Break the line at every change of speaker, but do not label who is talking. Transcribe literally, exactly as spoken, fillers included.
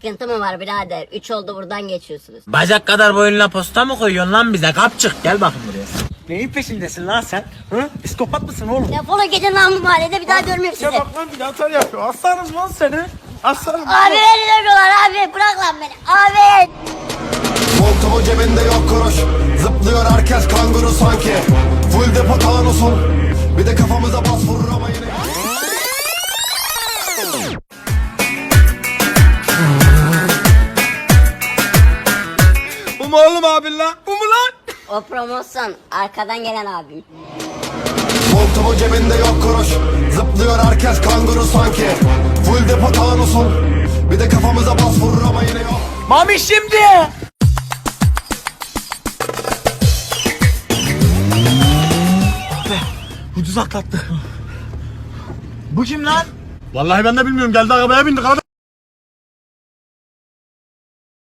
sıkıntı mı var birader? Üç oldu buradan geçiyorsunuz.
Bacak kadar boyunla posta mı koyuyorsun lan bize? Kapçık gel bakın buraya. Neyin peşindesin lan sen? Hı? Psikopat mısın oğlum?
Defolun gidin lan bu mahallede, bir daha görmeyeyim sizi.
Ya bak lan bir de atar yapıyor. Aslanım lan seni. Aslanım.
Abi beni dövüyorlar abi, bırak lan beni. Abi.
Montumu cebinde yok kuruş. Zıplıyor herkes kanguru sanki. Full depo tanusun. Bir de kafamıza bas vurur ama yine.
Bu mu oğlum abin lan? Bu mu lan?
O promosyon arkadan gelen abim.
Montumu cebinde yok kuruş. Zıplıyor herkes kanguru sanki. Full depo tanusun. Bir de kafamıza bas vurur ama yine yok.
Mami şimdi. Be, ucuz atlattı. Bu kim lan?
Vallahi ben de bilmiyorum. Geldi arabaya bindik abi.